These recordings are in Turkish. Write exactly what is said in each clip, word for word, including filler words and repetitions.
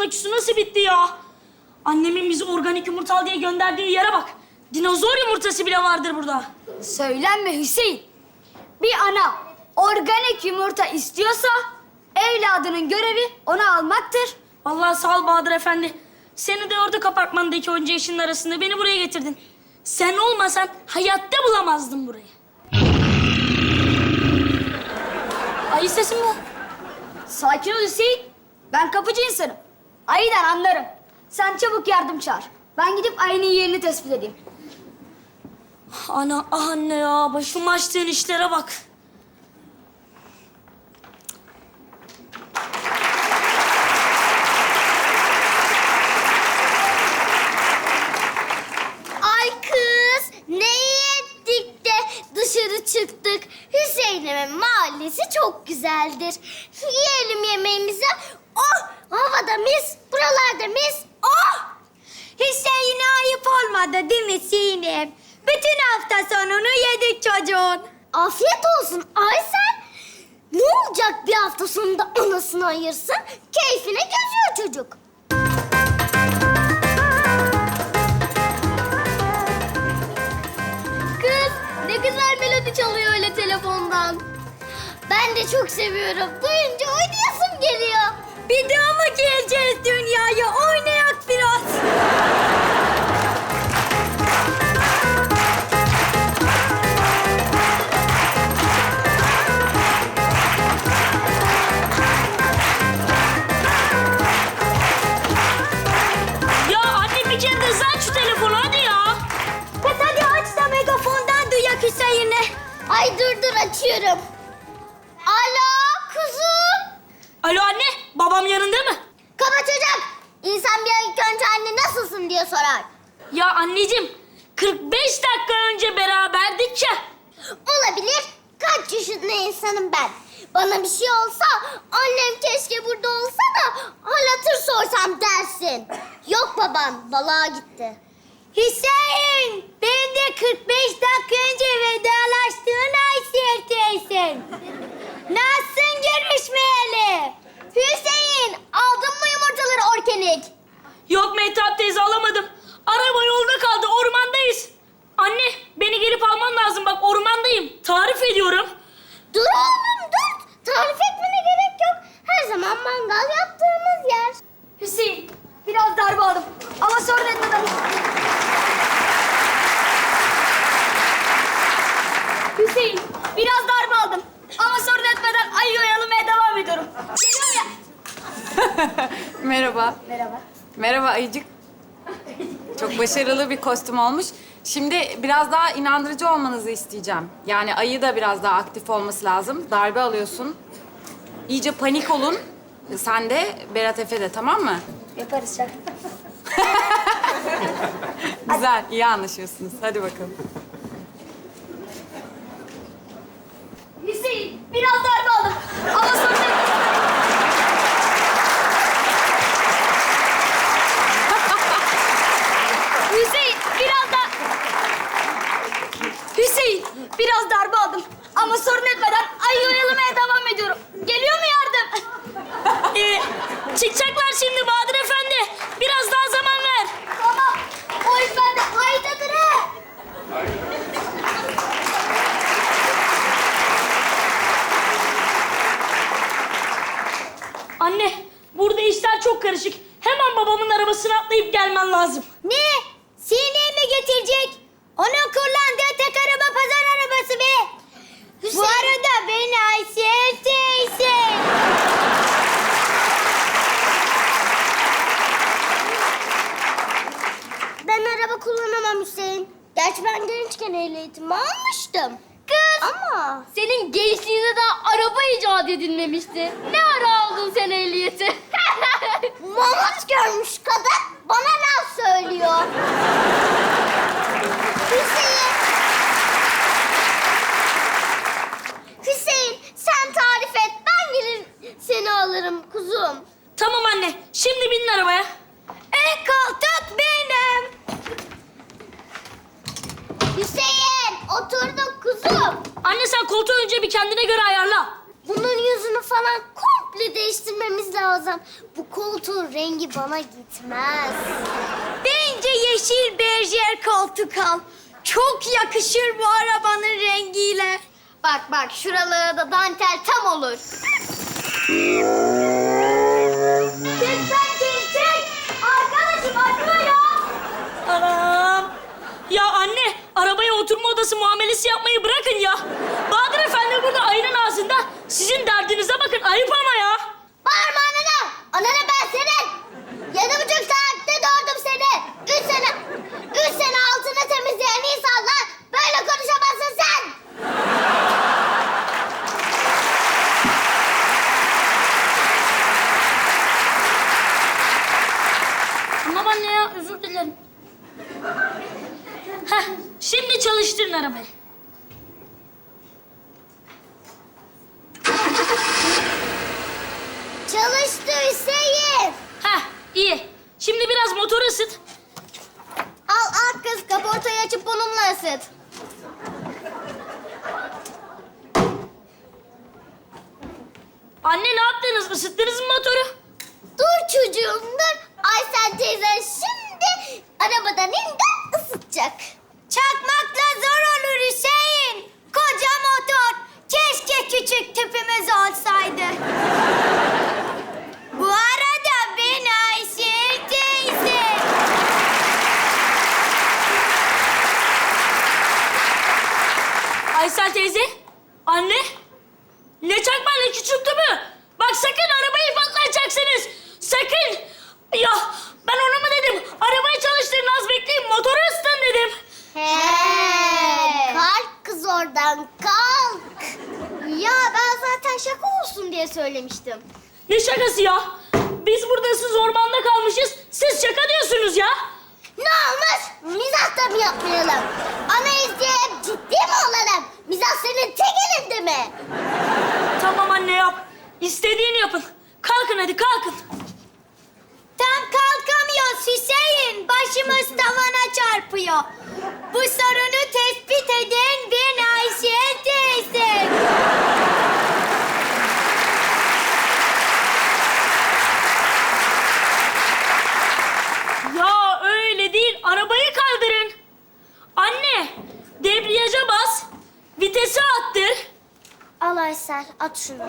aküsü nasıl bitti ya? Annemin bizi organik yumurta al diye gönderdiği yere bak. Dinozor yumurtası bile vardır burada. Söylenme Hüseyin. Bir ana organik yumurta istiyorsa evladının görevi onu almaktır. Vallahi sağ ol Bahadır Efendi. Seni de orada apartmandaki onca işin arasında beni buraya getirdin. Sen olmasan hayatta bulamazdım burayı. Ayı sesi mi bu? Sakin ol Hüseyin. Ben kapıcı insanım. Ayıdan anlarım. Sen çabuk yardım çağır. Ben gidip ayının yerini tespit edeyim. Ana, ah anne ya. Başım açtığın işlere bak. Ay kız, ne ettik de dışarı çıktık. Hüseyin'imin mahallesi çok güzeldir. Yiyelim yemeğimizi. Oh, havada mis, buralarda mis. Oh! Hüseyin'e ayıp olmadı değil mi Sinem? Bütün hafta sonunu yedik çocuğun. Afiyet olsun Aysel. Ne olacak bir hafta sonunda anasını ayırsın? Keyfine geziyor çocuk. Kız, ne güzel melodi çalıyor öyle telefondan. Ben de çok seviyorum. Duyunca oynayasım geliyor. Bir daha mı geleceğiz dünyaya? Oynayak biraz. Ya anne bir kere de hızlı aç şu telefonu hadi ya. Kız hadi aç da megafondan duyak Hüseyin'e. Ay dur dur açıyorum. Alo kuzum. Alo anne, babam yanında mı? Kaba çocuk. İnsan bir ilk önce anne nasılsın diye sorar. Ya anneciğim, kırk beş dakika önce beraberdik ya. Olabilir. Kaç yaşında insanım ben. Bana bir şey olsa annem keşke burada olsa da hal hatır sorsam dersin. Yok baban balığa gitti. Hüseyin, ben de kırk beş dakika önce vedalaştığın Aysel teyzen. Nasılsın görüşmeyeli? Hüseyin aldın mı yumurtaları organik? Yok Mehtap teyze alamadım. Araba yolda kaldı, ormandayız. Anne, beni gelip alman lazım. Bak ormandayım. Tarif ediyorum. Dur oğlum dur. Tarif etmene gerek yok. Her zaman mangal yaptığımız yer. Hüseyin, biraz darbe aldım ama sorun etmeden. Hüseyin, biraz darbe aldım ama sorun etmeden ayı oyalamaya devam ediyorum. Geliyorum ya. Merhaba. Merhaba. Merhaba Ayıcık. Çok başarılı bir kostüm olmuş. Şimdi biraz daha inandırıcı olmanızı isteyeceğim. Yani ayı da biraz daha aktif olması lazım. Darbe alıyorsun. İyice panik olun. Sen de, Berat Efe de, tamam mı? Yaparız şaka. Güzel, iyi anlaşıyorsunuz. Hadi bakalım. Hüseyin, biraz darbe aldım ama sorun etmeden. Hüseyin, biraz da... Hüseyin, biraz darbe aldım ama sorun etmeden ayı oyalamaya devam ediyorum. Geliyor mu yardım? Ee, çıkacaklar şimdi Bahadır Efendi. Biraz daha zaman ver. Tamam. O iş bende. Haydadır he. Anne, burada işler çok karışık. Hemen babamın arabasına atlayıp gelmen lazım. Ne? Sineği mi getirecek? Onun kullandığı tek araba pazar arabası be. Hüseyin. Bu arada ben Aysel teyze. Ben araba kullanamam Hüseyin. Gerçi ben gençken ehliyetimi almıştım. Kız. Ama. Senin gençliğinde daha araba icat edilmemişti. Ne ara aldın sen ehliyeti? Mamut görmüş kadın bana laf söylüyor. Hüseyin. Hüseyin sen tarif et. Ben gelir seni alırım kuzum. Tamam anne, şimdi binin arabaya. En koltuk benim. Hüseyin oturduk kuzum. Anne sen koltuğu önce bir kendine göre ayarla. Bunun yüzünü falan komple komple değiştirmemiz lazım. Bu koltuğun rengi bana gitmez. Bence yeşil berjer koltuk al. Çok yakışır bu arabanın rengiyle. Bak bak şuralara da dantel tam olur. Çek sen çek çek. Arkadaşım acıyor ya. Anam! Ya anne, arabaya oturma odası muamelesi yapmayı bırakın ya. Bahadır Efendi burada ayının ağzında. Sizin derdinize bakın, ayıp ama ya. Bağırma anana! Anana ben senin! Yedi buçuk saatte doğurdum seni! Üç sene, üç sene altını temizleyen insanlar böyle konuşamazsın sen! Tamam anne ya, özür dilerim. Heh, şimdi çalıştırın arabayı. Çalıştı Hüseyin! Heh, iyi. Şimdi biraz motoru ısıt. Al al kız kaportayı açıp bununla ısıt. Anne ne yaptınız? Isıttınız mı motoru? Dur çocuğum dur. Aysel teyzen şimdi arabadan indi ısıtacak. Çakmakla zor olur Hüseyin. Koca motor. Keşke küçük tüpümüz olsaydı. Bu arada ben Ayşe teyze. Aysel teyze, anne. Ne çakma ne küçülttü mü? Bak sakın arabayı patlatacaksınız. Sakın. Ya ben onu mu dedim? Arabayı çalıştırın az bekleyin motoru ısıtın dedim. He, kalk kız oradan kalk. Ya ben zaten şaka olsun diye söylemiştim. Ne şakası ya? Biz burada siz ormanda kalmışız. Siz şaka diyorsunuz ya. Ne olmuş? Mizah da mı yapmayalım? Anayız diye hep ciddi mi olalım? Mizah senin tek elinde mi? Tamam anne yap. İstediğini yapın. Kalkın hadi kalkın. Tam kalkamıyoruz Hüseyin. Başımız tavana çarpıyor. Bu sorunu tespit eden ben Ayşe teyze. Ya öyle değil. Arabayı kaldırın. Anne, debriyaja bas. Vitesi attır. Al Aysel, at şunu.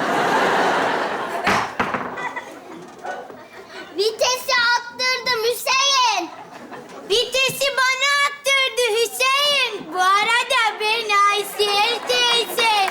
Vitesi attırdım Hüseyin. Vitesi bana attırdı Hüseyin. Bu arada ben Ayşe teyze.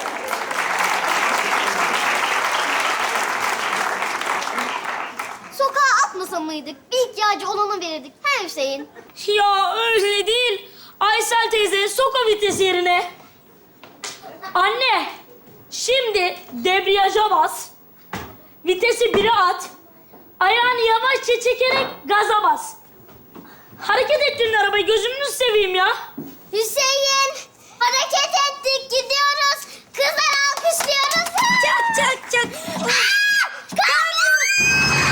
Sokağa atmasa mıydık? Bir ihtiyacı olanı verirdik. He Hüseyin? Ya öyle değil. Aysel teyze sok o vites yerine. Anne, şimdi debriyaja bas. Vitesi bire at. Ayağını yavaşça çekerek gaza bas. Hareket ettirin arabayı, gözünüzü seveyim ya. Hüseyin, hareket ettik, gidiyoruz. Kızlar alkışlıyoruz. Çak çak çak. Aa, kamyon!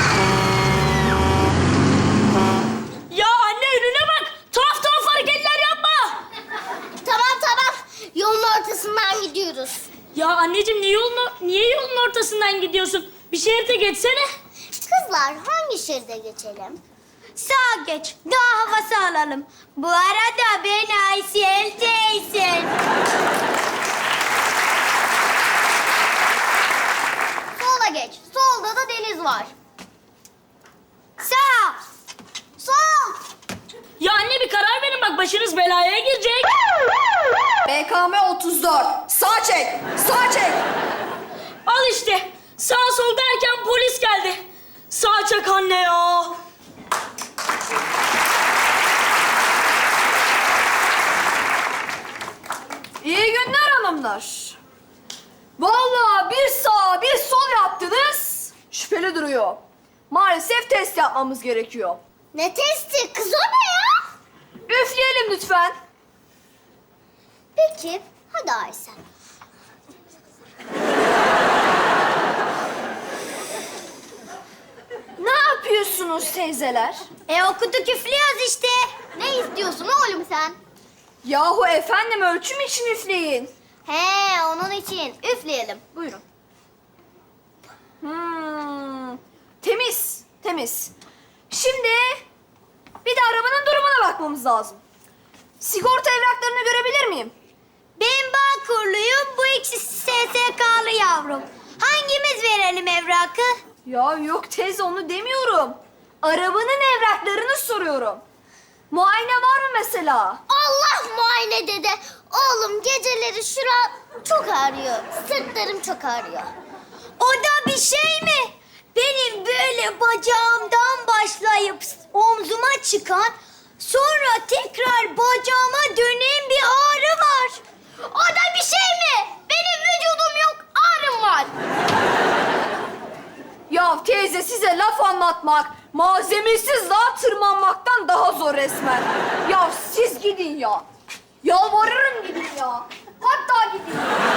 Ya anne önüne bak. Tuhaf tuhaf hareketler yapma. Tamam tamam, yolun ortasından gidiyoruz. Ya anneciğim niye yolun, niye yolun ortasından gidiyorsun? Bir şerite geçsene. Kızlar hangi şeride geçelim? Sağa geç. Daha havası alalım. Bu arada ben Ayşe teyze. Sola geç. Solda da deniz var. Sağ. Sol. Ya anne bir karar verin bak başınız belaya girecek. B K M otuz dört. Sağ çek. Sağ çek. Al işte. Sağ sol derken polis geldi. Sağ çak anne ya. İyi günler hanımlar. Vallahi bir sağ bir sol yaptınız. Şüpheli duruyor. Maalesef test yapmamız gerekiyor. Ne testi? Kız o ne ya? Üfleyelim lütfen. Peki, hadi Aysel. Ne yapıyorsunuz teyzeler? E okuduk üflüyoruz işte. Ne istiyorsun oğlum sen? Yahu efendim ölçüm için üfleyin. He, onun için. Üfleyelim. Buyurun. Hmm, temiz, temiz. Şimdi bir de arabanın durumuna bakmamız lazım. Sigorta evraklarını görebilir miyim? Ben Bağkurluyum, bu ikisi S S K'lı yavrum. Hangimiz verelim evrakı? Ya yok teyze onu demiyorum. Arabanın evraklarını soruyorum. Muayene var mı mesela? Allah muayene dede. Oğlum geceleri şura çok ağrıyor. Sırtlarım çok ağrıyor. O da bir şey mi? Benim böyle bacağımdan başlayıp omzuma çıkan, sonra tekrar bacağıma dönen bir ağrı var. O da bir şey mi? Benim vücudum yok, ağrım var. Ya teyze size laf anlatmak, malzemesiz dağa tırmanmaktan daha zor resmen. Ya siz gidin ya. Yalvarırım gidin ya. Hatta gidin.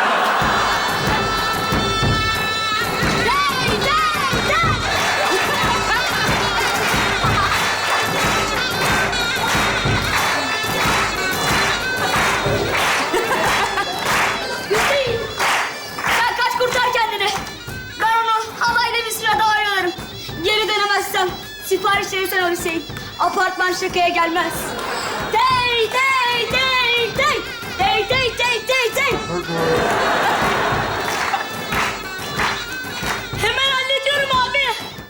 Hüseyin! Sen kaç kurtar kendini. Ben onu halayla bir süre daha oyalarım. Geri dönemezsem sipariş verirsen o Hüseyin. Apartman şakaya gelmez. Dey dey dey dey. Dey dey dey dey dey. Hemen hallediyorum abi.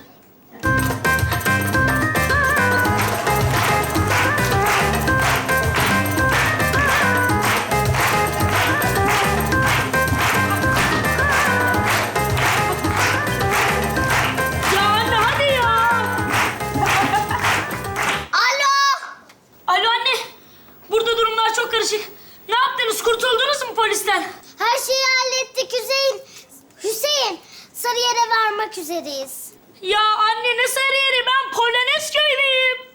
Ya anne hadi ya. Alo! Alo anne. Burada durumlar çok karışık. Ne yaptınız? Kurtuldunuz mu polisten? Her şeyi hallettik Hüseyin. Hüseyin, Sarıyer'e varmak üzereyiz. Ya anne ne Sarıyer'i? Ben Polonezköy'deyim.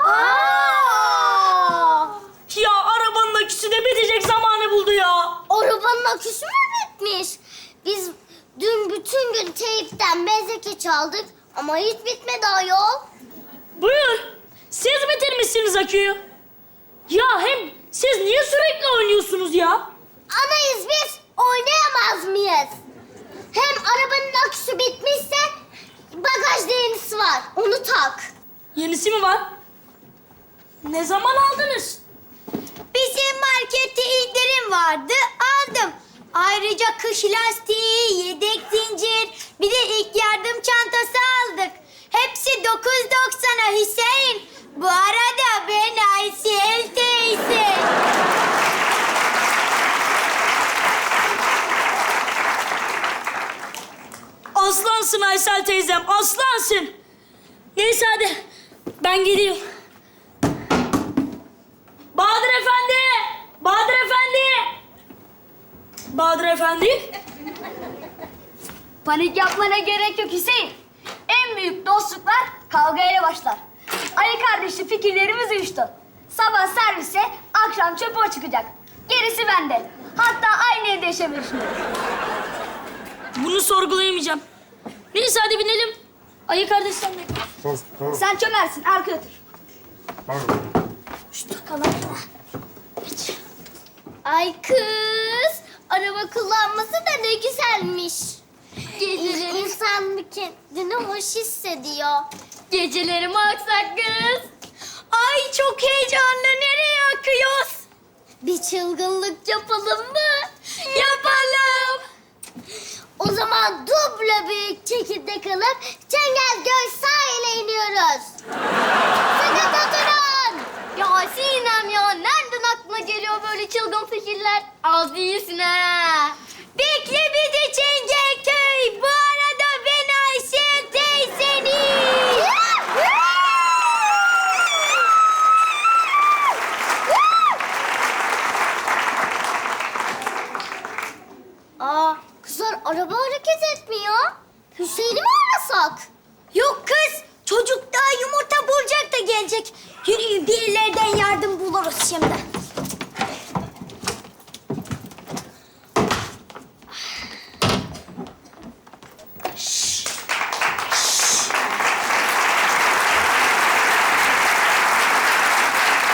Aa! Ya arabanın aküsü de bitecek zamanı buldu ya. Arabanın aküsü mü bitmiş? Biz dün bütün gün teyipten bezeke çaldık ama hiç bitmedi ayol. Buyur. Siz bitirmişsiniz aküyü. Ya hem siz niye sürekli oynuyorsunuz ya? Anayız biz, oynayamaz mıyız? Hem arabanın aküsü bitmişse bagajda yenisi var, onu tak. Yenisi mi var? Ne zaman aldınız? Bizim markette indirim vardı, aldım. Ayrıca kış lastiği, yedek zincir, bir de ilk yardım çantası aldık. Hepsi dokuz doksana Hüseyin. Bu arada ben Aysel teyze. Aslansın Aysel teyzem, aslansın. Neyse hadi, ben gidiyorum. Bahadır Efendi! Bahadır Efendi! Bahadır Efendi? Panik yapmana gerek yok Hüseyin. En büyük dostluklar kavgayla başlar. Ali kardeşli fikirlerimiz uyuştu. Sabah servise, akşam çöpe o çıkacak. Gerisi bende. Hatta aynı evde yaşamıyoruz şimdi. Bunu sorgulayamayacağım. Neyse hadi binelim. Ali kardeş sen de. Sen çömersin, arkaya otur. Ay kız, araba kullanması da ne güzelmiş. Geceleri insan bir kendini hoş hissediyor. Geceleri mi aksak kız? Ay çok heyecanlı, nereye akıyoruz? Bir çılgınlık yapalım mı? Yapalım. O zaman duble büyük çekirdek alıp Çengelköy sahile iniyoruz. Sıkıntı durun. Ya Sinem ya nereden aklına geliyor böyle çılgın fikirler? Az değilsin ha. Bekle bizi Çengelköy. Bu arada ben Ayşe teyzenim. Aa, kızlar araba hareket etmiyor. Hüseyin'i mi arasak? Yok kız, çocuk daha yumurta bulacak da gelecek. Yürüyün bir yerlerden yardım buluruz şimdi.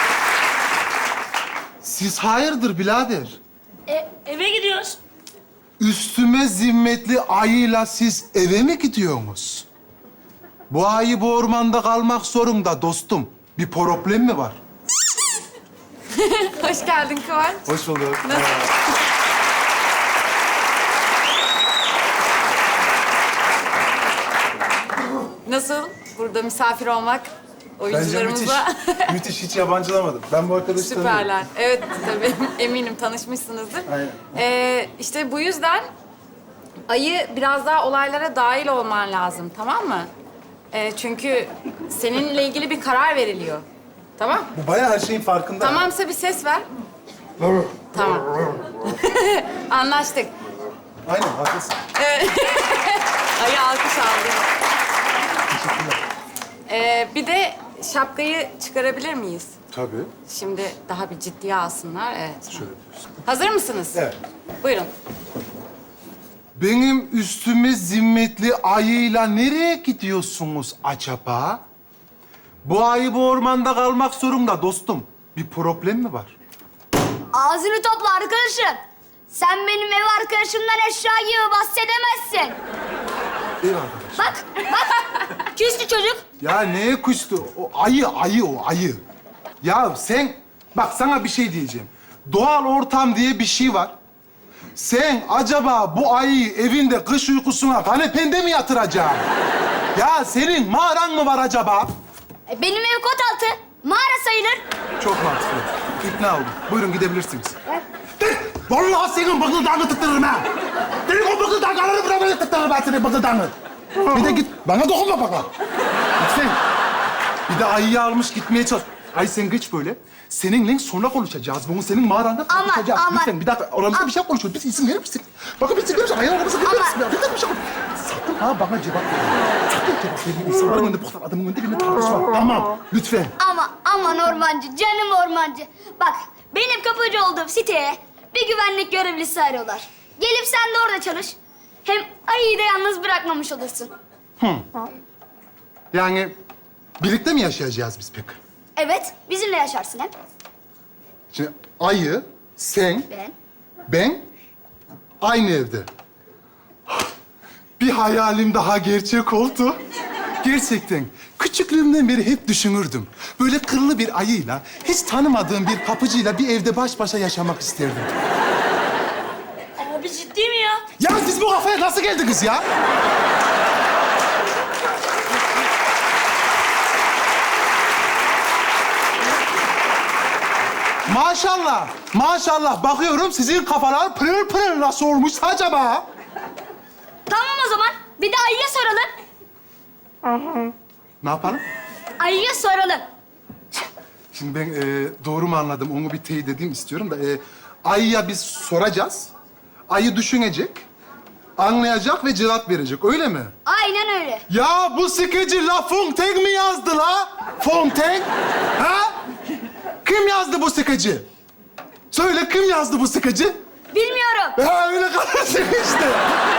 Siz hayırdır birader? E, eve gidiyoruz. üstüme zimmetli ayıyla siz eve mi gidiyorsunuz? Bu ayı bu ormanda kalmak zorunda dostum. Bir problem mi var? Hoş geldin Kıvanç. Hoş bulduk. Nasıl? Burada misafir olmak Bence müthiş. oyuncularımızla Müthiş, hiç yabancılamadım. Ben bu arkadaşı tanıyorum. süperler. Evet tabii eminim tanışmışsınızdır. Aynen. Ee, işte bu yüzden ayı biraz daha olaylara dahil olman lazım, tamam mı? Ee, çünkü seninle ilgili bir karar veriliyor. Tamam? Bu bayağı her şeyin farkında. Tamamsa bir ses ver. Tamam. Anlaştık. Aynen, haklısın. Ayı alkış aldı. Teşekkürler. Ee, bir de şapkayı çıkarabilir miyiz? Tabii. Şimdi daha bir ciddiye alsınlar. Evet. Şöyle diyorsun. Hazır mısınız? Evet. Buyurun. Benim üstüme zimmetli ayıyla nereye gidiyorsunuz acaba? Bu ayı bu ormanda kalmak zorunda dostum. Bir problem mi var? Ağzını topla arkadaşım. Sen benim ev arkadaşımdan eşya gibi bahsedemezsin. Ev arkadaş. Bak, bak. Küstü çocuk. Ya neye kuştu? O ayı, ayı o, ayı. Ya sen, bak sana bir şey diyeceğim. Doğal ortam diye bir şey var. Sen acaba bu ayıyı evinde kış uykusuna kanepende mi yatıracaksın? Ya senin mağaran mı var acaba? E, benim ev kot altı. Mağara sayılır. Çok mantıklı. İkna oldum. Buyurun gidebilirsiniz. Vallahi senin bıkıldağını tıktırırım ha. Senin o bıkıldağını buraya tıktırırım ben senin bıkıldağını. Bir de git, bana dokunma bana. Lütfen. Bir de ayıyı almış gitmeye çalış. Ay sen geç böyle. Seninle sonra konuşacağız. Bunu senin mağaranda Ama, konuşacağız. ama- Lütfen bir dakika. Aramızda ama- bir şey konuşuyoruz. Biz izin verir misin? Bakın biz izin verir misin? Ayağın aramızda verir Ama- misin? Ya? Lütfen bir şey Sakın ha bana cevap ver. Sakın cevap verme. İnsanların önünde, bu kadar adamın önünde benimle tartışma. Tamam. Lütfen. Ama, aman ormancı, canım ormancı. Bak, benim kapıcı olduğum siteye bir güvenlik görevlisi arıyorlar. Gelip sen de orada çalış. Hem ayıyı da yalnız bırakmamış olursun. Yani birlikte mi yaşayacağız biz peki? Evet, bizimle yaşarsın hep. Şimdi ayı, sen, Ben. ben aynı evde. Bir hayalim daha gerçek oldu. Gerçekten küçüklüğümden beri hep düşünürdüm. Böyle kırlı bir ayıyla, hiç tanımadığım bir kapıcıyla bir evde baş başa yaşamak isterdim. Abi ciddi mi ya? Ya siz bu kafaya nasıl geldiniz ya? Maşallah, maşallah. Bakıyorum sizin kafalar pırıl pırıl nasıl olmuş acaba? Tamam o zaman. Bir de ayıya soralım. Ne yapalım? Ayıya soralım. Şimdi ben e, doğru mu anladım onu bir teyit edeyim istiyorum da... E, ayıya biz soracağız. Ayı düşünecek, anlayacak ve cevap verecek. Öyle mi? Aynen öyle. Ya bu sıkıcı La Fontaine mi yazdı la? Fontaine? Ha? Kim yazdı bu sıkıcı? Söyle kim yazdı bu sıkıcı? Bilmiyorum. Ha öyle kalırsın işte.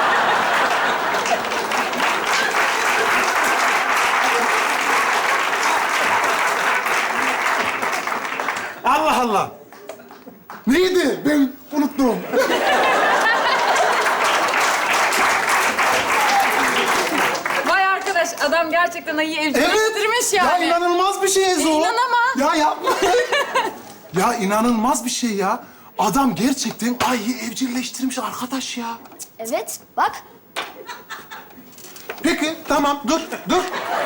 Allah Allah. Neydi? Ben unuttum. Vay arkadaş adam gerçekten ayıyı evcilleştirmiş yani. Ya inanılmaz bir şey Ezo. İnanamam. Ya yapma. Ya inanılmaz bir şey ya. Adam gerçekten ayıyı evcilleştirmiş arkadaş ya. Evet, bak. Peki, tamam. Dur, dur.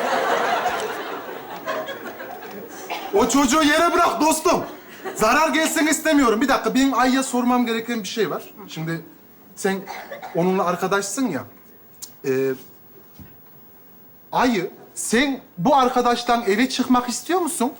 O çocuğu yere bırak dostum. Zarar gelsin istemiyorum. Bir dakika, benim Ay'a sormam gereken bir şey var. Şimdi sen onunla arkadaşsın ya. Ee, Ayı, sen bu arkadaştan eve çıkmak istiyor musun?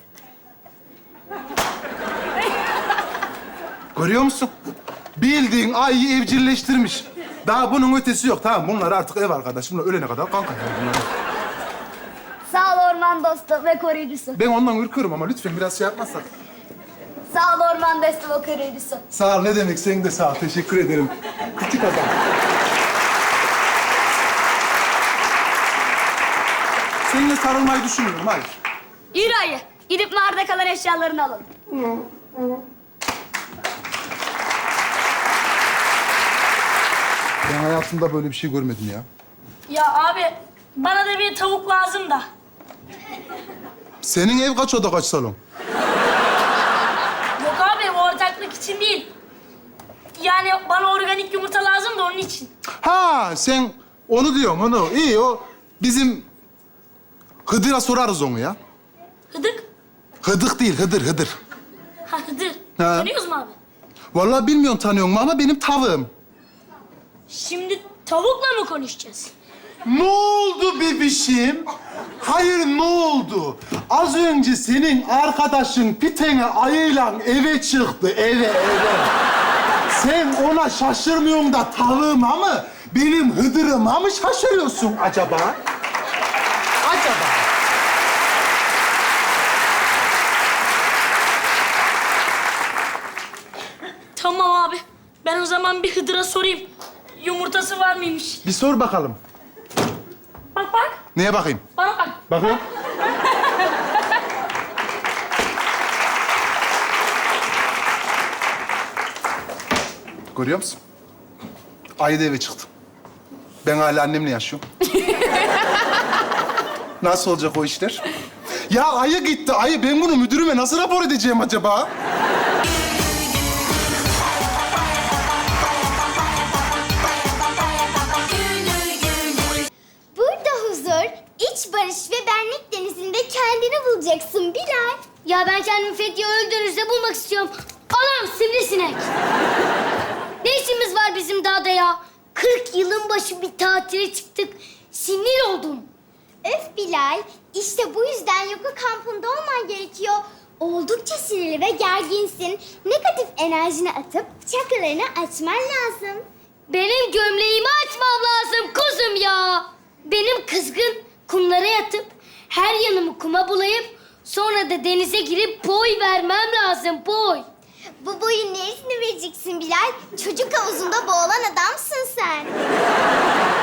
Görüyor musun? Bildiğin Ay'ı evcilleştirmiş. Daha bunun ötesi yok. Tamam, bunlar artık ev arkadaş. Bunlar ölene kadar kanka. Yani bunlar. Sağ ol orman dostu ve koruyucusu. Ben ondan ürküyorum ama lütfen biraz şey yapmazsak. Sağ ol orman dostu ve koruyucusu. Sağ ol, ne demek? Sen de sağ ol. Teşekkür ederim. Küçük adam. Seninle sarılmayı düşünmüyorum, hayır. Yürü ayı. Gidip mağarada kalan eşyalarını alalım. Ben hayatımda böyle bir şey görmedim ya. Ya abi bana da bir tavuk lazım da. Senin ev kaç oda kaç salon? Yok abi o ortaklık için değil. Yani bana organik yumurta lazım da onun için. Ha sen onu diyorsun onu. İyi o bizim Hıdır'a sorarız onu ya. Hıdık. Hıdık değil Hıdır Hıdır. Ha Hıdır. Ha. Tanıyoruz mu abi? Vallahi bilmiyorum tanıyor mu ama benim tavım. Şimdi tavukla mı konuşacağız? Ne oldu bebişim? Hayır ne oldu? Az önce senin arkadaşın pitene ayıyla eve çıktı eve eve. Sen ona şaşırmıyorsun da tavığıma mı? Benim Hıdır'ıma mı şaşırıyorsun acaba? Acaba? Tamam abi. Ben o zaman bir Hıdır'a sorayım. Yumurtası var mıymış? Bir sor bakalım. Bak bak. Neye bakayım? Bana bak. Bakın. Görüyor musun? Ayı da eve çıktı. Ben hala annemle yaşıyorum. Nasıl olacak o işler? Ya ayı gitti, ayı. Ben bunu müdürüme nasıl rapor edeceğim acaba? Burada huzur, iç barış ve benlik denizinde kendini bulacaksın Bilal. Ya ben kendimi Fethiye Ölüdeniz'de bulmak istiyorum. Anam sivrisinek. Ne işimiz var bizim dağda ya? Kırk yılın başı bir tatile çıktık. Sinir oldum. Öf Bilal, işte bu yüzden yoga kampında olman gerekiyor. Oldukça sinirli ve gerginsin. Negatif enerjini atıp çakralarını açman lazım. Benim gömleğimi açmam lazım kuzum ya. Benim kızgın kumlara yatıp her yanımı kuma bulayıp sonra da denize girip boy vermem lazım boy. Bu boyun neresini vereceksin Bilal? Çocuk havuzunda boğulan adamsın sen.